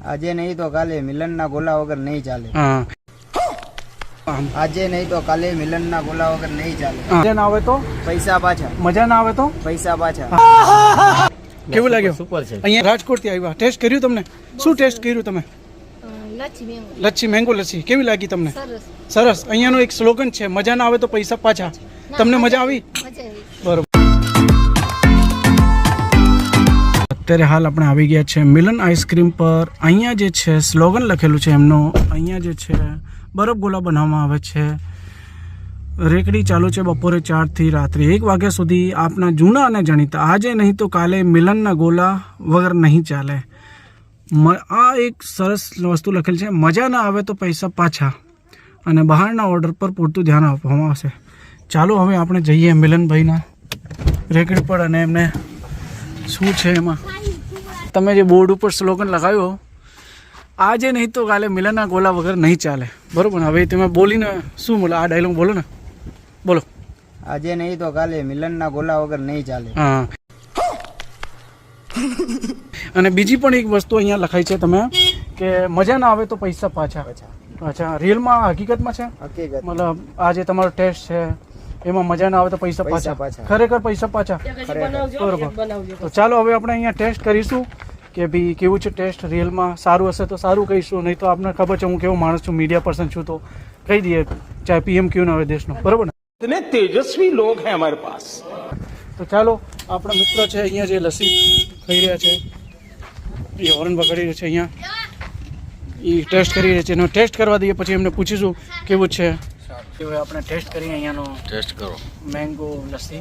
આજે નહીં તો કાલે મિલનના ગોલા વગર નહીં ચાલે. હા. આજે નહીં તો કાલે મિલનના ગોલા વગર નહીં ચાલે. મજા ના આવે તો પૈસા પાછા. મજા ના આવે તો પૈસા પાછા. કેવું લાગ્યું? સુપર છે. અહીંયા રાજકોટ થી આવ્યા, ટેસ્ટ કર્યું તમને? શું ટેસ્ટ કર્યું તમે? લચ્છી, મેંગો લચ્છી. કેવી લાગી તમને? સરસ. અહીંયાનો એક સ્લોગન છે, મજા ના આવે તો પૈસા પાછા. તમને મજા આવી? બરોબર. અત્યારે હાલ આપણે આવી ગયા છે મિલન આઈસ્ક્રીમ પર. અહીંયા જે છે સ્લોગન લખેલું છે એમનો. અહીંયા જે છે બરફ ગોલા બનાવવામાં આવે છે. રેકડી ચાલુ છે બપોરે 4 થી રાત્રે 1 વાગ્યા સુધી. આપના જૂના અને જાણીતા આજે નહીં તો કાલે મિલનના ગોલા વગર નહીં ચાલે. આ એક સરસ વસ્તુ લખેલ છે, મજા ના આવે તો પૈસા પાછા. અને બહારના ઓર્ડર પર પૂરતું ધ્યાન આપવામાં આવશે. ચાલો હવે આપણે જઈએ મિલનભાઈના રેકડી પર અને એમને શું છે એમાં. તમે જે બોર્ડ ઉપર સ્લોગન લગાવ્યો, આજે નહીં તો કાલે મિલનના ગોલા વગર નહીં ચાલે, બરોબર ને? હવે તમે બોલીને શું બોલો, આ ડાયલોગ બોલો ને, બોલો. આજે નહીં તો કાલે મિલનના ગોલા વગર નહીં ચાલે. હા. અને બીજી પણ એક વસ્તુ અહીંયા લખાઈ છે તમે કે મજા ના આવે તો પૈસા પાછા. અચ્છા, રિયલમાં હકીકતમાં છે? હકીકત. મતલબ આ જે તમારો ટેસ્ટ છે એમાં મજા ના આવે તો પૈસા પાછા. ખરેખર પૈસા પાછા. બરોબર. તો ચાલો હવે આપણે અહીંયા ટેસ્ટ કરીશું કે ભાઈ કેવું છે ટેસ્ટ. રિયલમાં સારું હશે તો સારું કહીશું, નહીં તો આપને ખબર છે હું કેવો માણસ છું, મીડિયા પર્સન છું, તો કહી દઈએ ચાહે પીએમ ક્યુ ના હોય દેશનો, બરોબર ને? इतने तेजस्वी लोग हैं हमारे पास. તો ચાલો આપણા મિત્રો છે અહીંયા જે લસ્સી ખાઈ રહ્યા છે, એ હોર્ન વગાડી રહ્યા છે અહીંયા, એ ટેસ્ટ કરી રહ્યા છે. એનો ટેસ્ટ કરવા દઈએ પછી એમને પૂછીશું કેવું છે. હવે આપણે ટેસ્ટ કરીએ અહીંયાનો. ટેસ્ટ કરો. મેંગો લસ્સી.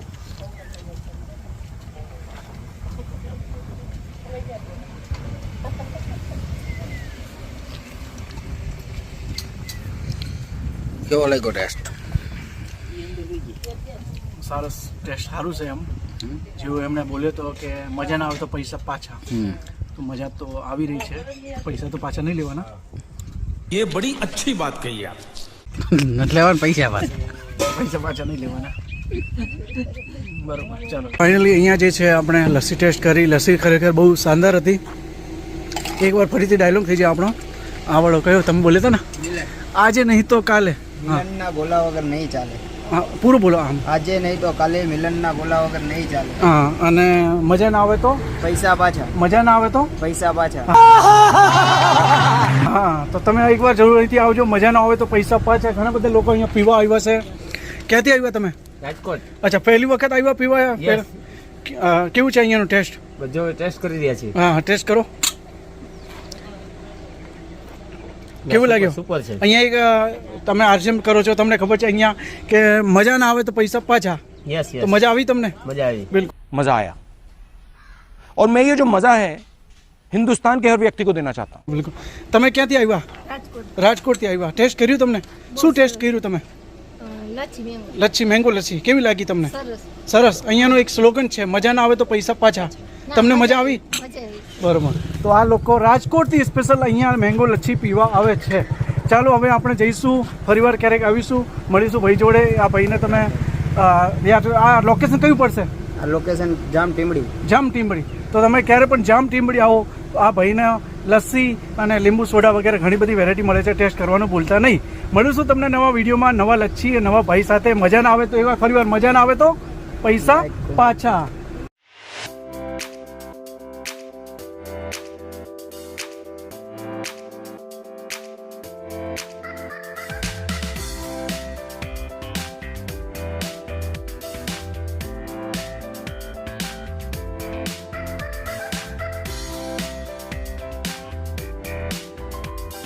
કેવો લાગ્યો ટેસ્ટ? સરસ ટેસ્ટ, સારું છે. એમ જેવું એમણે બોલ્યો તો કે મજા ના આવે તો પૈસા પાછા, તો મજા તો આવી રહી છે. પૈસા તો પાછા નહીં લેવાના. ये बड़ी अच्छी बात कही आप. નથી લેવાનું પૈસા પાછા. પૈસા પાછા નહીં લેવાના. બરોબર. ચાલો ફાઇનલી અહીંયા જે છે આપણે લસ્સી ટેસ્ટ કરી. લસ્સી ખરેખર બહુ શાનદાર હતી. એકવાર ફરીથી ડાયલોગ થઈ જાય આપણો. આવડો કયો તમે બોલ્યો હતો ને, આજે નહીં તો કાલે મિલનના ગોલા વગર નહીં ચાલે. હા, પૂરું બોલો. આમ આજે નહીં તો કાલે મિલનના ગોલા વગર નહીં ચાલે. હા. અને મજા ના આવે તો પૈસા પાછા. મજા ના આવે તો પૈસા પાછા. હા, તો તમે એકવાર જરૂર અહીંથી આવજો. મજા ના આવે તો પૈસા પાછા. ઘણા બધા લોકો અહીંયા પીવા આવ્યા છે. ક્યાંથી આવ્યા તમે? રાજકોટ. અચ્છા, પહેલી વખત આવ્યા પીવા? કેવું છે અહીંયાનો ટેસ્ટ? બધો ટેસ્ટ કરી રહ્યા છીએ. હા, ટેસ્ટ કરો. કેવું લાગ્યું? સુપર છે. અહીંયા એક તમે આરસીએમ કરો છો, તમને ખબર છે અહીંયા કે મજા ના આવે તો પૈસા પાછા. યસ તો મજા આવી તમને? મજા આવી. બિલકુલ. मजा आया और मैं ये जो मजा है हिंदुस्तान के हर व्यक्ति को देना चाहता हूँ. બિલકુલ. તમે ક્યાંથી આવ્યા? રાજકોટથી આવ્યા. ટેસ્ટ કર્યું તમને? શું ટેસ્ટ કર્યું તમે? લચ્છી, મેંગો લચ્છી. કેવી લાગી તમને? સરસ. અહીંયાનો એક સ્લોગન છે, મજા ના આવે તો પૈસા પાછા. તમને મજા આવી? બરોબર. તો આ લોકો રાજકોટથી સ્પેશિયલ અહીંયા મેંગો લચ્છી પીવા આવે છે. ચાલો હવે આપણે જઈશું, ફરીવાર ક્યારેક આવીશું, મળીશું ભાઈ જોડે. આ ભાઈને તમે આ લોકેશન કયું પડશે? આ લોકેશન જામ ટીમડી. જામ ટીમડી. તો તમે ક્યારે પણ જામ ટીમડી આવો, આ ભાઈને લસ્સી અને લીંબુ સોડા વગેરે ઘણી બધી વેરાયટી મળે છે. ટેસ્ટ કરવાનું ભૂલતા નહીં. મળીશું તમને નવા વિડીયોમાં, નવા લચ્છી નવા ભાઈ સાથે. મજા ના આવે તો એકવાર ફરીવાર મજા ના આવે તો પૈસા પાછા.